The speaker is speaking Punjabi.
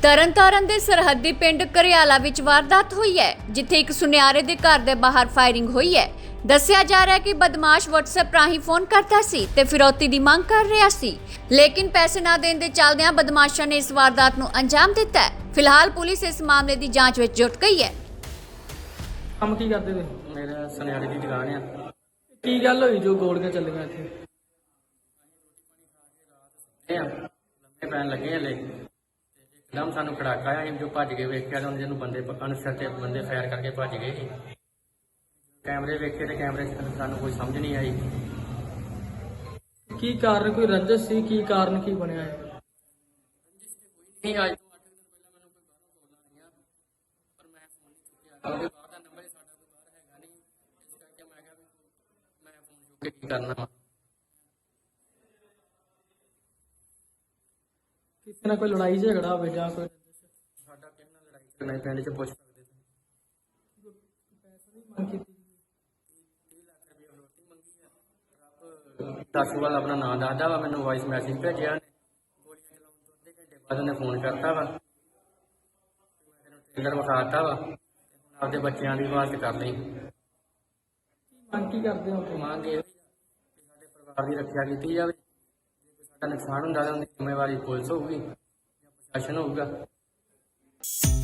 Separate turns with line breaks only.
ਤਰਨਤਾਰਨ ਦੇ ਸਰਹੱਦੀ ਪਿੰਡ ਘਰਿਆਲਾ ਵਿੱਚ ਵਾਰਦਾਤ ਹੋਈ ਹੈ, ਜਿੱਥੇ ਇੱਕ ਸੁਨਿਆਰੇ ਦੇ ਘਰ ਦੇ ਬਾਹਰ ਫਾਇਰਿੰਗ ਹੋਈ ਹੈ। ਦੱਸਿਆ ਜਾ ਰਿਹਾ ਹੈ ਕਿ ਬਦਮਾਸ਼ WhatsApp ਰਾਹੀਂ ਫੋਨ ਕਰਦਾ ਸੀ ਤੇ ਫਿਰੌਤੀ ਦੀ ਮੰਗ ਕਰ ਰਿਹਾ ਸੀ, ਲੇਕਿਨ ਪੈਸੇ ਨਾ ਦੇਣ ਦੇ ਚੱਲਦਿਆਂ ਬਦਮਾਸ਼ਾਂ ਨੇ ਇਸ ਵਾਰਦਾਤ ਨੂੰ ਅੰਜਾਮ ਦਿੱਤਾ ਹੈ। ਫਿਲਹਾਲ ਪੁਲਿਸ ਇਸ ਮਾਮਲੇ ਦੀ ਜਾਂਚ ਵਿੱਚ ਜੁਟ ਗਈ ਹੈ।
ਕੰਮ ਕੀ ਕਰਦੇ ਤੇ?
ਮੇਰਾ ਸੁਨਿਆਰੇ ਦੀ ਦੁਕਾਨ ਆ।
ਕੀ ਗੱਲ ਹੋਈ ਜੋ ਗੋਲੀਆਂ ਚੱਲੀਆਂ ਇੱਥੇ?
ਲੰਮੇ ਪੈਣ ਲੱਗੇ ਹਲੇ ਇੱਕਦਮ ਸਾਨੂੰ ਖੜਾਕਾ ਆਇਆ। ਜੋ ਭੱਜ ਕੇ ਵੇਖਿਆ ਤਾਂ ਉਹਨੂੰ ਬੰਦੇ ਅਨਸਰ ਤੇ ਬੰਦੇ ਫਾਇਰ ਕਰਕੇ ਭੱਜ ਗਏ ਸੀ। ਕੈਮਰੇ ਵੇਖੇ ਤੇ ਕੈਮਰੇ 'ਚ ਸਾਨੂੰ ਕੋਈ ਸਮਝ ਨਹੀਂ ਆਈ।
ਕੀ ਕਾਰਨ, ਕੋਈ ਰੰਜਿਸ਼ ਸੀ? ਕੀ ਕਾਰਨ ਕੀ ਬਣਿਆ ਹੈ?
ਨਹੀਂ, ਅੱਜ ਤੋਂ 8 ਦਿਨ ਪਹਿਲਾਂ ਮੈਨੂੰ ਕੋਈ ਬਾਹਰੋਂ ਕਾਲ ਆਈਆਂ, ਪਰ ਮੈਂ ਫੋਨ ਨਹੀਂ ਚੁੱਕਿਆ ਕਿਉਂਕਿ ਬਾਹਰ ਦਾ ਨੰਬਰ ਸਾਡਾ ਕੋਈ ਬਾਹਰ ਹੈਗਾ ਨਹੀਂ। ਇਸ ਕਰਕੇ ਮੈਂ ਕਿਹਾ ਵੀ ਮੈਂ ਫੋਨ ਚੁੱਕ ਕੇ ਕੀ ਕਰਨਾ ਵਾ।
ਕਿਸੇ ਨਾਲ ਕੋਈ ਲੜਾਈ ਝਗੜਾ ਹੋਵੇ ਜਾਂ ਕੋਈ
ਸਾਡਾ ਕਿਸੇ ਨਾਲ ਲੜਾਈ ਝਗੜਾ ਨਹੀਂ, ਪਿੰਡ 'ਚ ਪੁੱਛ ਸਕਦੇ ਤੁਸੀਂ।
ਪੈਸੇ ਦੀ ਮੰਗ ਕੀਤੀ?
30 ਲੱਖ ਰੁਪਏ ਫਰੋਤੀ ਮੰਗੀ ਆ। ਰੱਬ ਦੱਸੂਵਾਲ ਆਪਣਾ ਨਾਂ ਦੱਸਦਾ ਵਾ, ਮੈਨੂੰ ਵਾਇਸ ਮੈਸੇਜ ਭੇਜਿਆ ਉਹਨੇ। ਗੋਲੀਆਂ ਚਲਾਉਣ ਤੋਂ ਅੱਧੇ ਘੰਟੇ ਬਾਅਦ ਉਹਨੇ ਫੋਨ ਕਰਤਾ ਵਾ, ਟ੍ਰੇਲਰ ਵਿਖਾਤਾ ਵਾ। ਹੁਣ ਆਪਦੇ ਬੱਚਿਆਂ ਦੀ ਆਵਾਜ਼ ਕਰ ਲਈ।
ਮੰਗ ਕੀ ਕਰਦੇ ਹੋ?
ਮੰਗ ਇਹ ਕਿ ਸਾਡੇ ਪਰਿਵਾਰ ਦੀ ਰੱਖਿਆ ਕੀਤੀ ਜਾਵੇ। ਜੇ ਕੋਈ ਸਾਡਾ ਨੁਕਸਾਨ ਹੁੰਦਾ ਤਾਂ ਉਹਦੀ ਜ਼ਿੰਮੇਵਾਰੀ ਪੁਲਿਸ ਹੋਊਗੀ ਜਾਂ ਪ੍ਰਸ਼ਾਸਨ ਹੋਊਗਾ।